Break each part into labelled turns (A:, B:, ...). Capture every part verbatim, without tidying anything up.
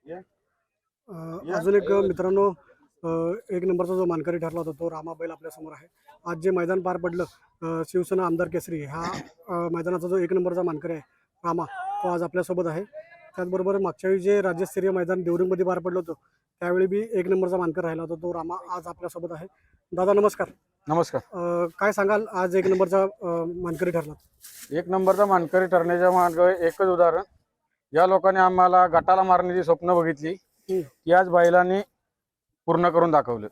A: अजून एक मित्रांनो, एक नंबरचा जो मानकरी ठरला होता तो रामा बैल आपल्यासमोर आहे. आज जे मैदान पार पडलं शिवसेना आमदार केसरी, हा मैदानाचा जो एक नंबरचा मानकरी आहे रामा, तो आज आपल्यासोबत आहे. त्याचबरोबर मागच्या वेळी जे राज्यस्तरीय मैदान देवरिंगमध्ये पार पडलं होतं त्यावेळी बी एक नंबरचा मानकर राहिला होता तो रामा आज आपल्यासोबत आहे. दादा नमस्कार.
B: नमस्कार.
A: काय सांगाल, आज एक नंबरचा मानकरी ठरला?
B: एक नंबरचा मानकरी ठरण्याच्या मागे एकच उदाहरण, या लोकांनी आम्हाला गटाला मारण्याची स्वप्न बघितली ती आज बैलांनी पूर्ण करून दाखवलं.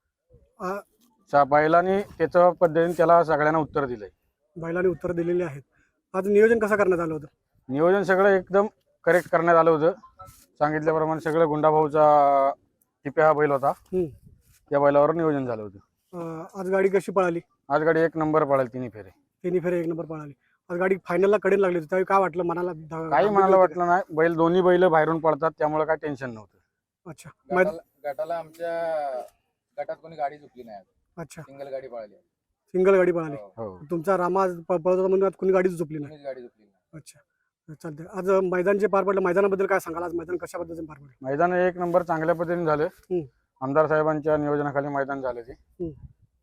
B: बैलांनी त्याच्या पद्धतीने त्याला सगळ्यांना उत्तर दिलंय.
A: बैलांनी उत्तर दिलेली आहेत. आज नियोजन कसं करण्यात आलं होतं?
B: नियोजन सगळं एकदम करेक्ट करण्यात आलं होतं. सांगितल्याप्रमाणे सगळं गुंडाभाऊचा टिप्या हा बैल होता, त्या बैलावर नियोजन झालं होतं.
A: आज गाडी कशी पळाली?
B: आज गाडी एक नंबर पळाली, तिन्ही फेरे
A: तिन्ही फेरे एक नंबर पळाली. आज गाडी फायनलला कडेला लागली होती, त्यावेळी काय वाटलं मनाला?
B: काही मनाला वाटलं नाही. बैल दोन्ही बैल बाहेरून पळतात त्यामुळे काही टेन्शन नव्हतं.
A: अच्छा.
C: गटाला आमच्या गटात कोणी गाडी चुकली नाही.
A: अच्छा,
C: सिंगल गाडी पळाली.
A: सिंगल गाडी पळाली.
B: हो.
A: तुमचा रामा पळत होता म्हणून आज कोणी गाडी चुकली नाही?
C: गाडी चुकली नाही.
A: अच्छा, चालतंय. आज मैदान जे पार पडलं, मैदानाबद्दल काय सांगाल? आज मैदान कशा पद्धतीने पार पडलं?
B: मैदान एक नंबर चांगल्या पद्धतीने झालं. आमदार साहेबांच्या नियोजनाखाली मैदान झालं. ते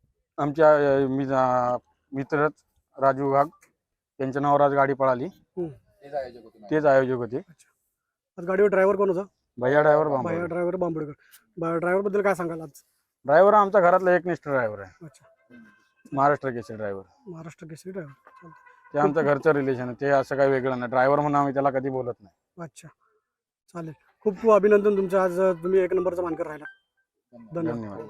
B: आमच्या मित्र राजू वाघ त्यांच्या नावावर आज गाडी पळाली.
C: तेच आयोजक होते.
B: तेच आयोजक होते.
A: आज गाडीवर ड्रायव्हर कोण होता?
B: भैया ड्रायव्हर.
A: भैया ड्रायव्हर बांबोडेकर. ड्रायव्हर बद्दल काय सांगाल? आज
B: ड्रायव्हर आमच्या घरातला एकनिष्ठ ड्रायव्हर आहे.
A: अच्छा,
B: महाराष्ट्र केसरी ड्रायव्हर.
A: महाराष्ट्र केसरी ड्रायव्हर.
B: ते आमचं घरचं रिलेशन आहे. ते असं काही वेगळं नाही. ड्रायव्हर म्हणून आम्ही त्याला कधी बोलत नाही.
A: अच्छा, चालेल. खूप खूप अभिनंदन तुमचं. आज तुम्ही एक नंबरचा मानकर राहिला.
B: धन्यवाद.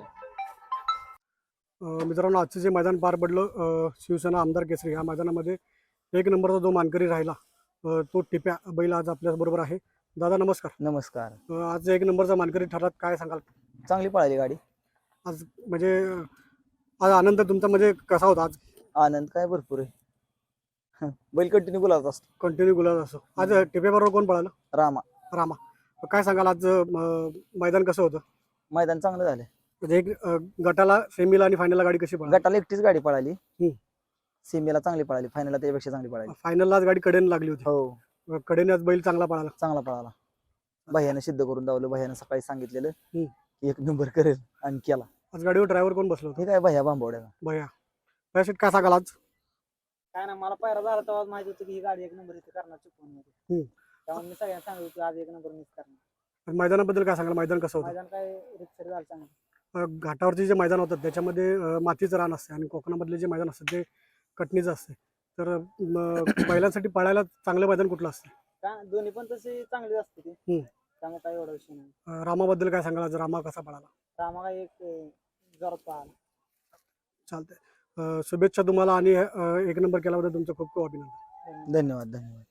A: मित्रांनो, आजचं जे मैदान पार पडलं शिवसेना आमदार केसरी, या मैदानामध्ये एक नंबरचा जो मानकरी राहिला तो टिप्या बैल आज आपल्याबरोबर आहे. दादा नमस्कार.
D: नमस्कार.
A: आज एक नंबरचा मानकरी ठरलात, काय सांगाल?
D: चांगली पळाली गाडी
A: आज. म्हणजे आज आनंद तुमचा म्हणजे कसा होता? आज
D: आनंद काय भरपूर आहे. बैल कंटिन्यू गुलाबत असतो.
A: कंटिन्यू गुलाब असतो. आज टिप्याबरोबर कोण पळालं?
D: रामा.
A: रामा. काय सांगाल, आज मैदान कसं होतं?
D: मैदान चांगलं झालं.
A: म्हणजे एक गटाला, सेमीला आणि फायनलला गाडी कशी पळाली?
D: गटाला एकटीच गाडी पळाली. सेमीला चांगली पळाली, फायनलला त्याच्यापेक्षा चांगली पळाली.
A: फायनलला आज गाडी कडेने लागली होती.
D: हो,
A: कडेने आज बैल चांगला पळाला.
D: चांगला पळाला. भैयाने सिद्ध करून दावलं. भैयाने सकाळी सांगितलेलं एक नंबर करेल आणि केला.
A: आज गाडीवर ड्रायव्हर कोण बसलो?
D: हे काय भैया बांबवड्या.
A: भैया. भैया काय सांगाल आज?
E: काय ना, मला पायरा झाला तेव्हा माहिती होतं की ही गाडी एक नंबर इथे करणार चुकून. त्यामुळे मी सगळ्यांना सांगितलं की आज एक नंबर मिस करणार.
A: मैदानाबद्दल काय सांगाल? मैदान कसं होतं?
E: मैदान काय रितसर झालं चांगलं.
A: घाटावरचे जे मैदान होतात त्याच्यामध्ये मातीचं रान असते आणि कोकणामधले जे मैदान असतं ते कटणीचं असते. तर बैलांसाठी पळायला चांगलं मैदान कुठलं असतं?
E: का दोन्ही पण तसे चांगले असते ते, त्यामुळे काय एवढा विषय नाही.
A: रामाबद्दल काय सांगाल? आज रामा कसा पळाला?
E: रामा काय एक जोरात पळाला.
A: चालतंय. शुभेच्छा तुम्हाला आणि एक नंबर केल्याबद्दल तुमचं खूप खूप अभिनंदन.
D: धन्यवाद. धन्यवाद.